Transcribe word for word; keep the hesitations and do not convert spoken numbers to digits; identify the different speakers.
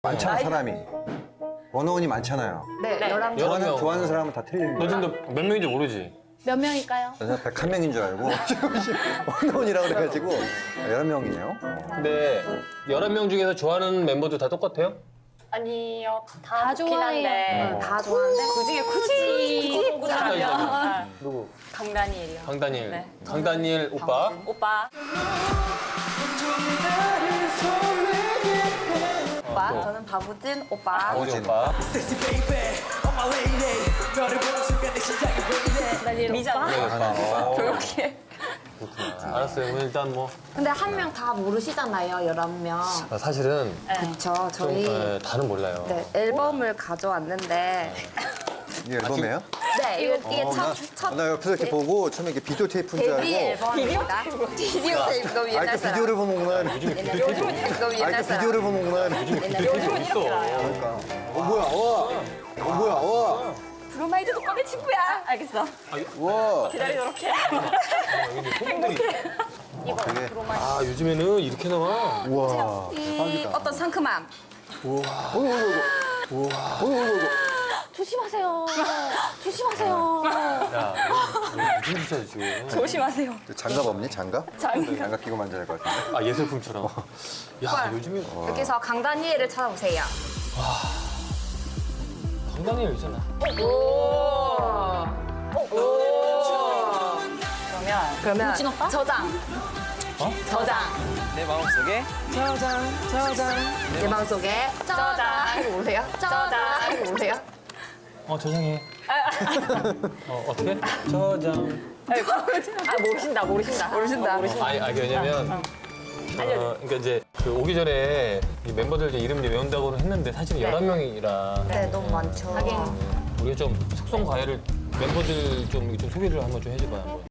Speaker 1: 많잖아 사람이. 원어원이 많잖아요.
Speaker 2: 네,
Speaker 3: 네.
Speaker 2: 열한 명.
Speaker 3: 여러
Speaker 1: 좋아하는,
Speaker 3: 명.
Speaker 1: 좋아하는 사람은 다 틀리는
Speaker 3: 너
Speaker 1: 거야.
Speaker 3: 지금 몇 명인지 모르지?
Speaker 2: 몇 명일까요?
Speaker 1: 저는 백한 명인 줄 알고 원어원이라고 그래가지고 열한 명이네요.
Speaker 3: 근데 열한 명 중에서 좋아하는 멤버들 다 똑같아요?
Speaker 4: 아니요,
Speaker 2: 다
Speaker 4: 다 좋긴
Speaker 2: 좋아해요.
Speaker 4: 한데
Speaker 2: 응, 다 좋아하는데
Speaker 4: 그 중에 굳이 굳이 꼽자면
Speaker 3: 누구?
Speaker 4: 강다니엘이요.
Speaker 3: 강다니엘.
Speaker 4: 네.
Speaker 3: 강다니엘 오빠.
Speaker 4: 오빠.
Speaker 2: 오빠, 저는 바보진 오빠.
Speaker 3: 아버지 오빠.
Speaker 4: 다니엘
Speaker 2: 미자.
Speaker 3: 네, 오빠. 어,
Speaker 4: 조용히.
Speaker 3: 그렇구나. 알았어요. 오늘 일단 뭐
Speaker 2: 근데 한 명 다 모르시잖아요, 열한 명.
Speaker 3: 아, 사실은
Speaker 2: 그쵸,
Speaker 3: 좀
Speaker 2: 저희
Speaker 3: 네, 다는 몰라요.
Speaker 2: 네, 앨범을 가져왔는데
Speaker 1: 이게 앨범이에요?
Speaker 2: 네, 이거, 이게
Speaker 1: 어, 나,
Speaker 2: 첫, 첫
Speaker 1: 나 옆에서 이렇게 보고 처음에 이게 비디오 테이프인 줄
Speaker 2: 데뷔
Speaker 1: 알고.
Speaker 2: 앨범입니다. 비디오 테이프 너무
Speaker 1: 아,
Speaker 2: 옛날
Speaker 1: 그
Speaker 2: 사람.
Speaker 1: 비디오를 보는구나.
Speaker 3: 요즘에 비디오
Speaker 2: 옛날
Speaker 3: 테이프
Speaker 2: 사람. 너무
Speaker 1: 아,
Speaker 2: 옛날
Speaker 1: 그
Speaker 2: 사람.
Speaker 1: 비디오를 보는구나.
Speaker 2: 옛날
Speaker 3: 요즘은 있어.
Speaker 1: 그러니까. 어, 뭐야, 와. 어, 뭐야, 와.
Speaker 4: 브로마이드도 꺼내 친구야. 알겠어.
Speaker 1: 와.
Speaker 4: 기다리도록 해.
Speaker 1: 어, 되게.
Speaker 3: 아 요즘에는 이렇게 나와.
Speaker 1: 우와.
Speaker 2: 이
Speaker 1: 대박이다.
Speaker 2: 어떤 상큼함.
Speaker 1: 어이구, 어이구, 어이구.
Speaker 2: 조심하세요. 조심하세요.
Speaker 3: 야, 이거 무슨 짓이야 지금?
Speaker 4: 조심하세요.
Speaker 1: 장갑 없니? 장갑?
Speaker 4: 장갑.
Speaker 1: 장갑 끼고 만져야 할 것 같은데.
Speaker 3: 아 예술품처럼. 야 요즘에
Speaker 2: 여기서 강다니엘을 찾아보세요.
Speaker 3: 강다니엘 있잖아.
Speaker 4: 그러면
Speaker 2: 그러면
Speaker 4: 우진 오빠?
Speaker 2: 저장.
Speaker 3: 어?
Speaker 2: 저장.
Speaker 5: 내 마음속에 저장 저장
Speaker 2: 내 마음속에 저장. 이거 모르세요? 저장. 이거 모르세요?
Speaker 3: 어 저장해. 어 어떻게? 저장.
Speaker 4: 아 모르신다 모르신다
Speaker 2: 모르신다.
Speaker 4: 어, 모르신다.
Speaker 3: 아니, 아니 왜냐면 어, 그러니까 이제 그 오기 전에 이 멤버들 이제 이름 이제 외운다고는 했는데 사실 열한 명이라
Speaker 2: 네, 너무 많죠.
Speaker 4: 하긴.
Speaker 3: 우리가 좀 속성 과외를 멤버들 좀, 좀 소개를 한번 좀 해줘봐요. 한번.